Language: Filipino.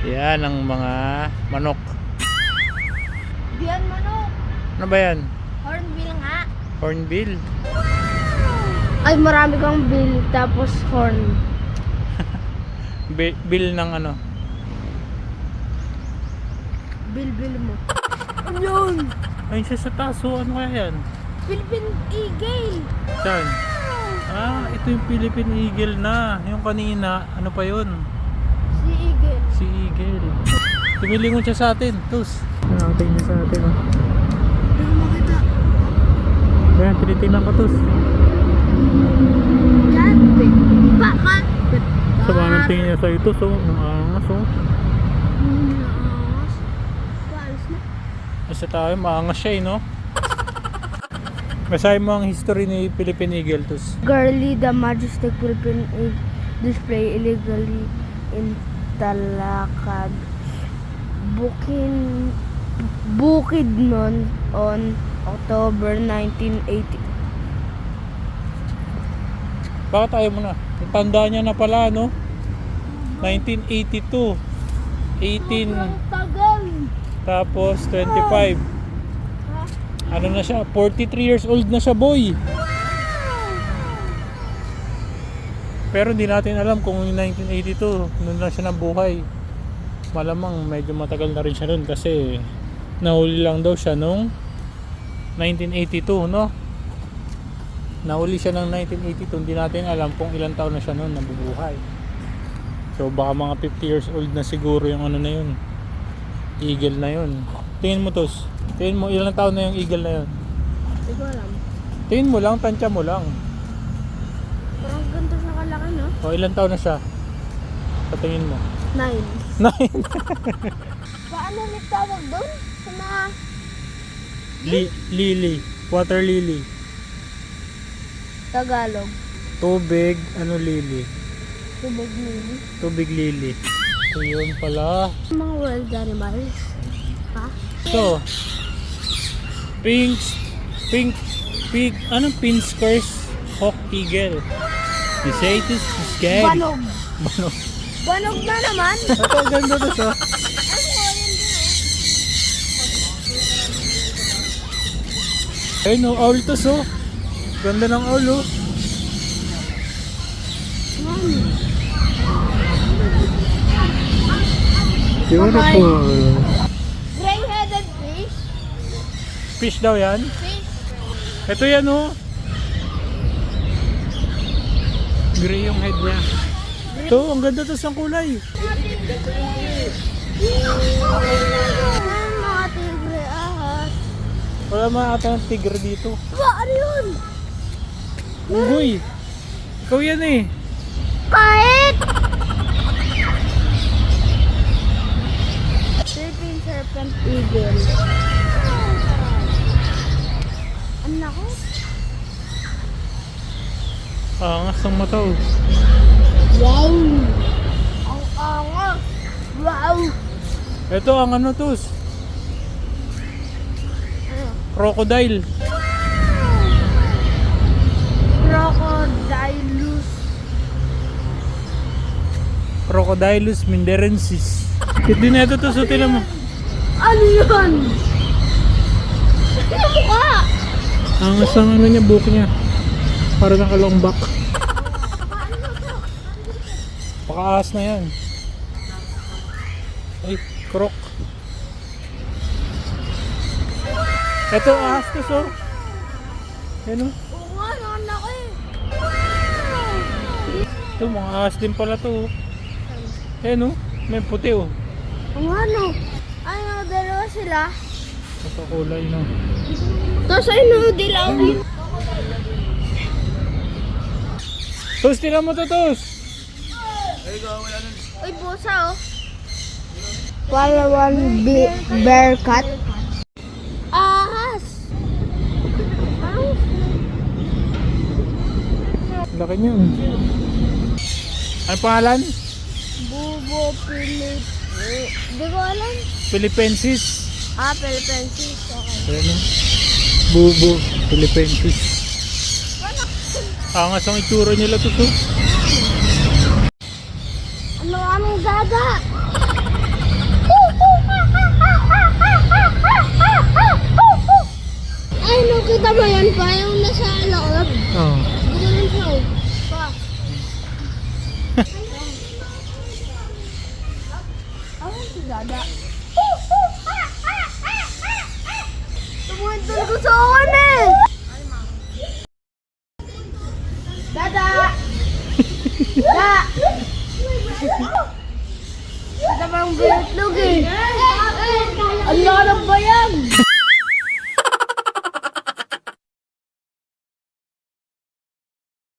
Yan ang mga manok. Diyan manok. Ano ba yan? Hornbill nga. Hornbill? Ay, marami kang bill tapos horn. Bill ng ano? Bill mo. Ano yun? Ayun siya sa taso. Ano kaya yan? Philippine Eagle. Saan? Ah, ito yung Philippine Eagle na. Yung kanina, ano pa yun? Si Eagle. Si Eagle. Tumilingon siya sa atin. Tus. Nakatay niya sa atin. Oh. Hindi ko makita. Ayan, tinitingnan ko tus. Kapit. Bakit? Sa mga tingin niya sa ito. So, ang angas oh. Naangas. Paalis na. Basta tayo, maangas siya no? Basahin mo ang history ni Philippine Eagle tus. Girly, the majestic Philippine Eagle display illegally in Talakad, Bukidnon on October 1980. Bakit tayo muna? Tanda niya na pala no? 1982 18 Tagal. tapos 25. Ano na siya? 43 years old na siya boy. Pero hindi natin alam kung yung 1982 noon na siya nabuhay. Malamang medyo matagal na rin siya noon kasi nahuli lang daw siya nung 1982 no? Nahuli siya ng 1982. Hindi natin alam kung ilang taon na siya noon nabubuhay. So baka mga 50 years old na siguro yung ano na yun, eagle na yun. Tingin mo tos. Tingin mo ilang taon na yung eagle na yun. Hindi ko alam. Tingin mo lang, tansya mo lang. Parang ganito sa kalaki, no? O ilang taon na siya? Sa tingin mo? 9. 9. Paano ulit tawag doon? Sa mga... Lily. Water lily. Tagalog. Tubig, ano lily? Tubig nili. Tubig lily. So yun pala. Mga wild animals. Ha? Ito. Pink, anong pinskers hawk eagle? You say it is scary. Banog. Banog. Banog na naman. Ito, ang ganda to siya. Ayun no, owl to so. Ganda ng owl oh. Beautiful. Gray-headed fish. Fish daw yan. Fish. Ito yan oh. Gray yung head niya. Ito, ang ganda to sa kulay. Mga tigre, ahas. Wala mga ata ng tigre dito. Ba, ano yun? Unggoy. Ikaw yan eh. Kahit! Philippine serpent eagle. Ano ako? Angas ang mata oh. Wow! Ang angas! Wow! Ito ang ano tos. Ano? Crocodile. Crocodilus. Crocodilus minderensis. Hindi na ito tos. Tinan mo. Ano yun? Ano mukha? Angas ang ano niya, buhok niya. Para nakalombak. Pakaahas na yan. Ay, croc. Ito, ahas to so. Yan o. Oo nga, naman ako eh. Ito, mga ahas din pala to. Yan o. May puti o. Ang ano? Ano, dalawa sila? Ito kulay no. Tapos ano, dilaw. Tos, tira mo to, Tos. Uy, pusa oh. Palawan bear cat. Ahas. Laki niya. Ano pangalan? Bubo Philip. Hindi ko alam. Philippensis. Philippines. Okay. Ayan o. Bubo. Philippensis. Angas ang itsura nila to. Ano aming daga? Kita mo yan pa, yung nasa loob. Oh. Ganun siya, oh. Pa. Awan si Dada. Tumuhin talaga sa akin eh! Dada! Da! Dada parang binutlog eh. Ang larap ba yan?